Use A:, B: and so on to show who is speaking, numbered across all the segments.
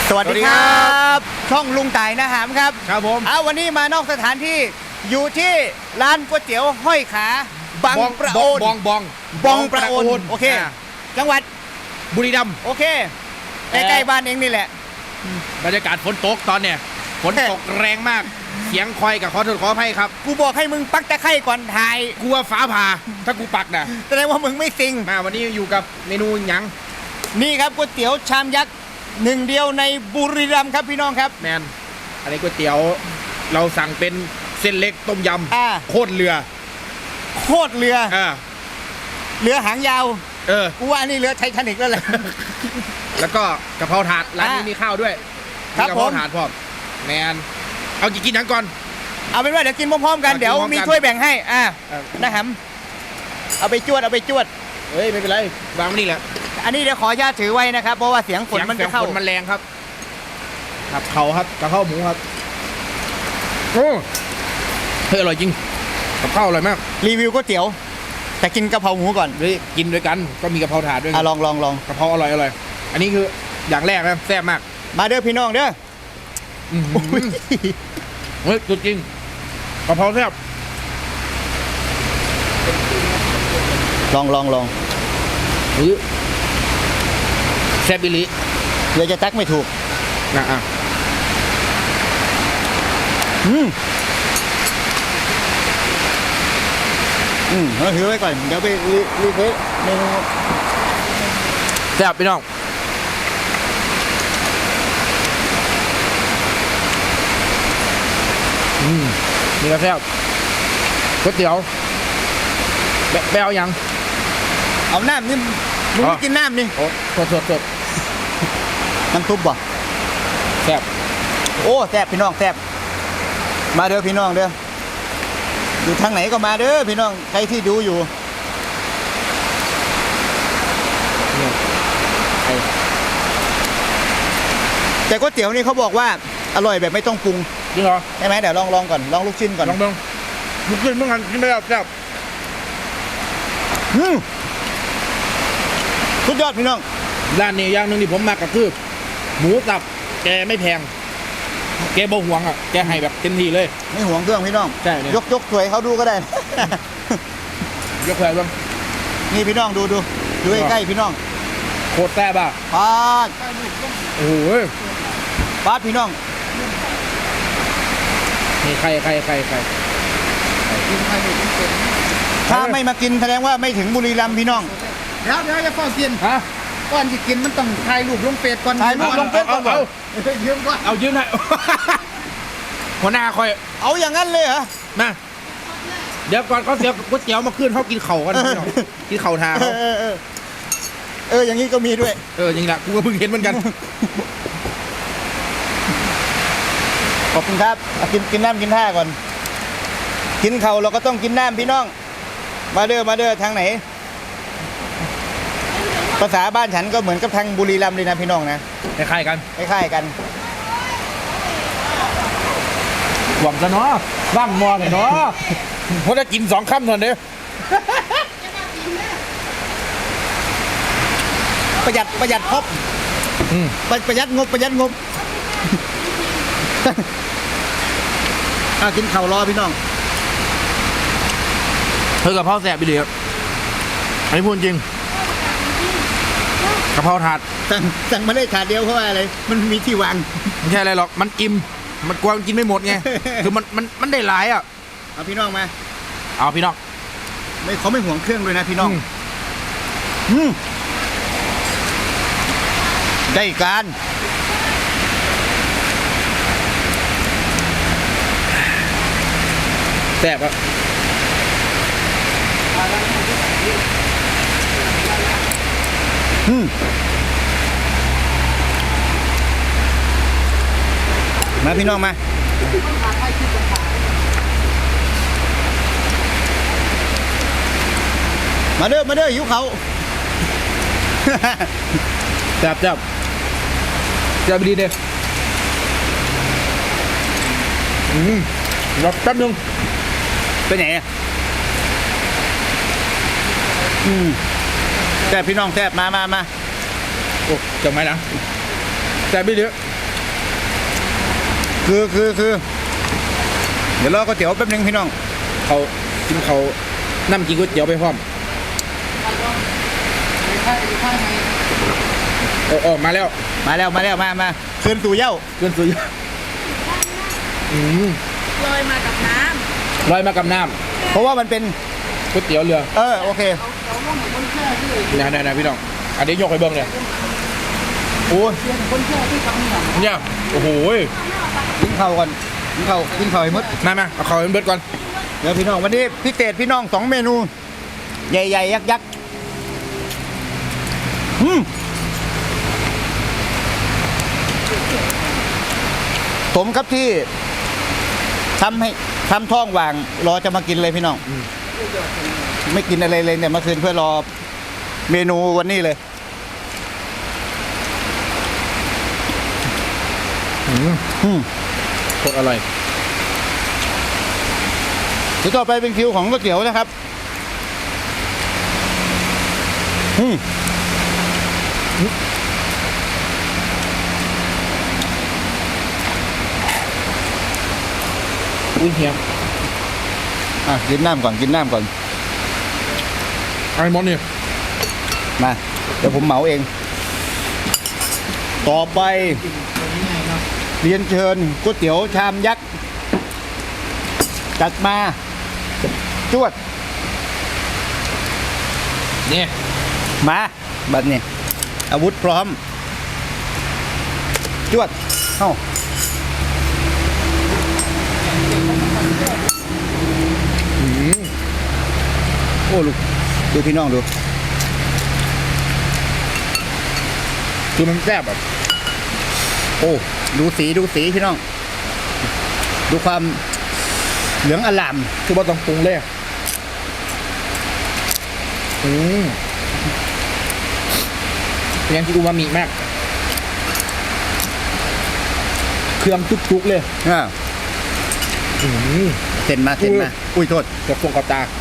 A: สวัสดีครับช่องลุงต่ายนะหามครับ
B: ครับผม
A: วันนี้มานอกสถานที่อยู่ที่ร้านก๋วยเตี๋ยวห้อยขาบังประโอนบองประโอนโอเคจังหวัด
B: บุรีรัมย์
A: โอเคใกล้ๆบ้านเองนี่แหละ
B: บรรยากาศฝนตกตอนเนี่ยฝนตกแรงมากเสียงคอยกับขอโทษขออภัยครับ
A: กูบอกให้มึงปักตะไคร่ก่อนถ่าย
B: กลัวฟ้าผ่าถ้ากูปักนะ
A: แสดงว่ามึงไม่ซิง
B: มาวันนี้อยู่กับเมนูหยัง
A: นี่ครับก๋วยเตี๋ยวชามยักษ์หนึ่งเดียวในบุรีรัมย์ครับพี่น้องครับ
B: แมนอันนี้ก๋วยเตี๋ยวเราสั่งเป็นเส้นเล็กต้มยำโคตรเรือ
A: เรือหางยาวกูว่านี่เรือไททานิคแล้วแหละ
B: แล้วก็กะเพราถาดร้านนี้มีข้าวด้วย
A: ครับ
B: กะเพราถาดพร้อมแมนเอากินยังก่อน
A: เอาเป็นว่าเดี๋ยวกินพร้อมๆกันเดี๋ยวมีถ้วยแบ่งให้นะครับเอาไปจวด
B: เฮ้ยไม่เป็นไรวางไว้นี่แหละ
A: อันนี้เดี๋ยวขออนุญาตถือไว้นะครับเพราะว่าเสียงฝนมันจะเข้า
B: มันแรงครับครับเขาครับกะเพราหมูครับโอ้เฮ้ยอร่อยจริงกับข้าวอร่อยมาก
A: รีวิวก๋วยเตี๋ยวแต่กินกะเพราหมูก่อน
B: เฮ้ยกินด้วยกันก็มีกะเพราถาดด้วย
A: ลอง
B: กะเพราอร่อยอันนี้คืออย่างแรกนะแซ่บมาก
A: มาเด้อพี่น้องเด้อ
B: เฮ้ยจริงกะเพราแซ่บ
A: ลอง
B: แซ่บบิลิ
A: เดี๋ยวจะตักไม่ถูก
B: นะ
A: เราถือไว้ก่อนเดี๋ยวไปรีเควสเมนู
B: แซ่บพี่น้องนี่ก็แซ่บก๋วยเตี๋ยวแบวยัง
A: เอาน้ำนี่มึงไม่กินน้ำนี่
B: โอ้สด
A: น้ำซุปบ่
B: แซ่บ
A: โอ้แซ่บพี่น้องแซ่บมาเด้อพี่น้องเด้ออยู่ทางไหนก็มาเด้อพี่น้องใครที่ดูอยู่แต่ก๋วยเตี๋ยวนี่เขาบอกว่าอร่อยแบบไม่ต้องปรุง
B: จริงเหรอ
A: ใช่ไหมเดี๋ยวลองก่อนลองลูกชิ้นก่อน
B: ลองลูกชิ้นเมื่อกันกินได้แซ่บ
A: สุดยอดพี่น้อง
B: ร้านนี้อย่างหนึ่งที่ผมมาก็คือหมูสับแกไม่แพงแกบ่ห่วงแกให้แบบเต็มที่เลย
A: ไม่ห่วงเครื่องพี่น้อง
B: ใช่
A: ยกสวยเขาดูก็ได้
B: ยกสวยบ้าง
A: นี่พี่น้องดูใกล้ๆพี่น้อง
B: โคตรแซ่บอ่ะ
A: ปาด
B: โอ้โห
A: ปาดพี่น้อง
B: นี่ใคร
A: ถ้าไม่มากินแสดงว่าไม่ถึงบุรีรัมย์พี่น้อง
C: เดี๋ยวจะฟ้องกินก่อนจะกินมันต้องถ่ายรูปลงเฟซก่อน
A: ถ่ายรูปลงเฟซก่อน
C: ยืมก่อน
B: เอายืมให้หัวหน้าคอย
A: เอาอย่างนั้นเลยเหรอ
B: มาเดี๋ยวก่อนเขาเสียก๋วยเตี๋ยวมาขึ้นเขากินเข่ากันกินเข่าทาเขา
A: อย่างนี้ก็มีด้วย
B: อย่างนี้แหละกูก็เพิ่งเห็นเหมือนกัน
A: ขอบคุณครับกินน้ำกินท่าก่อนกินเข่าเราก็ต้องกินน้ำพี่น้องมาเด้อทางไหนภาษาบ้านฉันก็เหมือนกับทางบุรีรัมย์เลยนะพี่น้องนะ
B: คล้ายๆ
A: กัน
B: หวังซะเนาะบ้างมอเลยเนาะเพราะจะกิน2 ค่ำเท่านั้นเด้อ
A: ประหยัดพบประหยัดงบกินเข่ารอพี่น้อง
B: กับพ่อแสบไปเลยอันนี้พูดจริงกะเพราถาด
A: สั่งมาได้ถาดเดียวเพราะว่าอะไรมันมีที่วาง
B: ไม่ใช่อะไรหรอกมันอิ่มมันกลัวกินไม่หมดไงคือมันได้หลาย
A: เอาพี่น้องมา
B: เอาพี่น้อง
A: เขาไม่ห่วงเครื่องเลยนะพี่น้องได้การ
B: แซ่บอะ
A: มาพี่น้องมาเด้อหิวเขา
B: จับดีเด้รอแป๊บนึง
A: ไปไหนแซ่บพี่น้องแซ่บมา
B: โอ้จังไหมนะแซ่บไปเยอะ
A: คือเดี๋ยวรอก๋วยเตี๋ยวแป๊บนึงพี่น้อง
B: เขากินเขาน้ำกินก๋วยเตี๋ยวไปพร้อมโอ้มาแล้ว
A: มาคืนสู่เหย้า
B: เกินสุด
D: ลอยมากับน้
B: ลอยมากับน้
A: เพราะว่ามันเป็น
B: ำก๋วยเตี๋ยวเรือ
A: โอเค
B: นะพี่น้องอันนี้ยกให้เบิ้งเลย
A: โอ้ย
B: เนี่ยโอ้โห
A: กินข้าวก่อนกินข้าวให้หมด
B: มาเอาเขาเป็นเบิร์ดก่อน
A: เดี๋ยวพี่น้องวันนี้พิเศษพี่น้อง2 เมนู ใหญ่ๆยักษ์ผมครับที่ทำท้องว่างรอจะมากินเลยพี่น้องไม่กินอะไรเลยเนี่ยเมื่อคืนเพื่อรอเมนูวันนี้เลย
B: โคตรอร่อย
A: เดี๋ยวต่อไปเป็นคิวของก๋วยเตี๋ยวนะครับ
B: อุ้ยเฮีย
A: กินน้ำก่อน
B: ไอ้มอนเนี่ย
A: มาเดี๋ยวผมเหมาเอง ต่อไปเรียนเชิญก๋วยเตี๋ยวชามยักษ์จัดมาจวด
B: เนี่ย
A: มาบัดนี้อาวุธพร้อมจวดเข้าโอ้ลูกดูพี่น้องดู
B: คือมันแซ่บแบบ
A: โอ้ดูสีพี่น้อง ดูความเหลืองอลาม
B: คือว่าต้องปรุงเลยเป็นยังที่อูมามิมากเครื่องจุกๆเลย
A: เส้นมาอุ้ยโทษ
B: กับฟงกับตา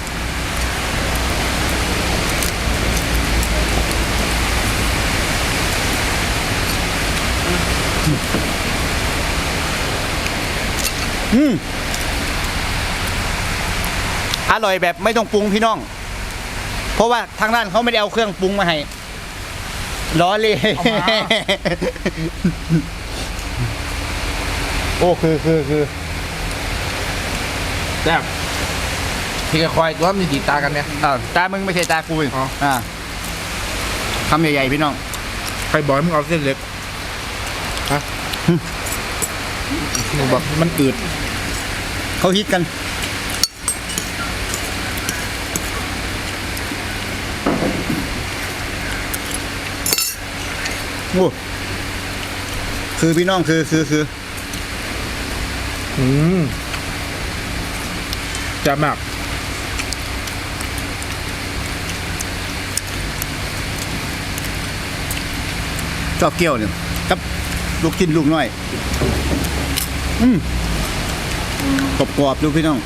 A: อร่อยแบบไม่ต้องปรุงพี่น้องเพราะว่าทางร้านเขาไม่ได้เอาเครื่องปรุงมาให้ล้อเลยโอ้คือ
B: แซ่บพี่ก็คอยตัวมีตีตากันเนี่ย
A: ตามึงไม่ใช่ตากูคำใหญ่ๆพี่น้อง
B: ใครบอกมึงเอาเส้นเล็กฮะมึงบอกมันอืด
A: เขาฮิตกันโอ้คือพี่น้องคือ
B: จะมาก
A: ชอบเกี๊ยวเนี่ยครับลูกชิ้นลูกน้อยกรอบๆดูพี่น้อง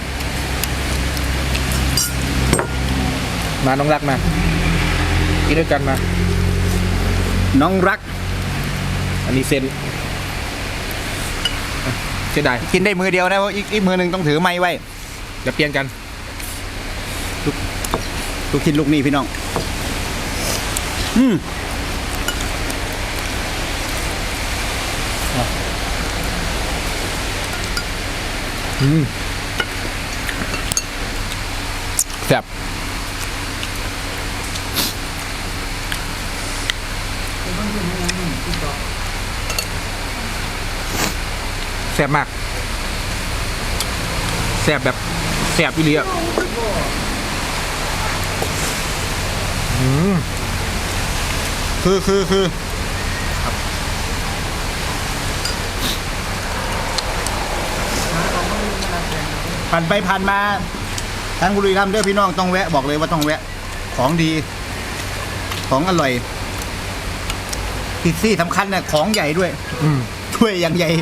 B: มาน้องรักมากินด้วยกันมา
A: น้องรัก
B: อันนี้เส้นเสียดาย
A: กินได้มือเดียวนะเพราะอีกมือหนึ่งต้องถือไม้ไว้
B: จะเปลี่ยนกัน
A: ลูกชิ้นลูกนี้พี่น้อง
B: แซ่บแซ่บมากแซ่บแบบแซ่บอีหลีอ่ะ
A: คือผ่านไปผ่านมาทางบุรีรัมย์เด้อพี่น้องต้องแวะบอกเลยว่าต้องแวะของดีของอร่อยพิซซี่สำคัญเนี่ยของใหญ่ด้วยถ้วยอย่างใหญ่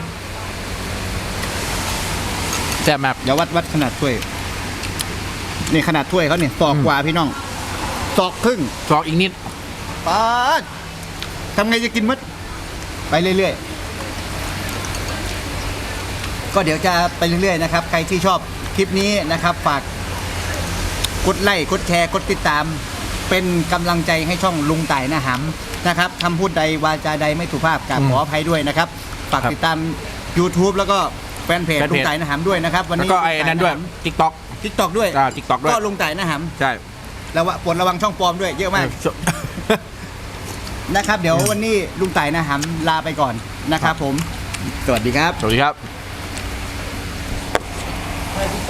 B: แซ่บมาก
A: เดี๋ยววัดขนาดถ้วยนี่ขนาดถ้วยเขาเนี่ยศอกกว่าพี่น้องศอกครึ่ง
B: ศอกอีกนิด
A: ป๊าดทำไงจะกินมัดไปเรื่อยก็เดี๋ยวจะไปเรื่อยๆนะครับใครที่ชอบคลิปนี้นะครับฝากกดไลค์กดแชร์กดติดตามเป็นกำลังใจให้ช่องลุงต่ายนะหำนะครับคำพูดใดวาจาใดไม่สุภาพกราบขออภัยด้วยนะครับฝากติดตาม YouTube แล้วก็แฟนเพจลุงต่ายนะหำด้วยนะครับวัน
B: แล้ว
A: นี้
B: ก็ไอ้นั่นด้วย TikTok
A: TikTok ด้วย
B: TikTok ด้วย
A: ก็ลุงต่ายนะห
B: ใช่
A: ำแล้วปลดระวังช่องปลอมด้วยเยอะมากนะครับเดี๋ยววันนี้ลุงต่ายนะหำลาไปก่อนนะครับผมสวัสดีครับ
B: สวัสดีครับ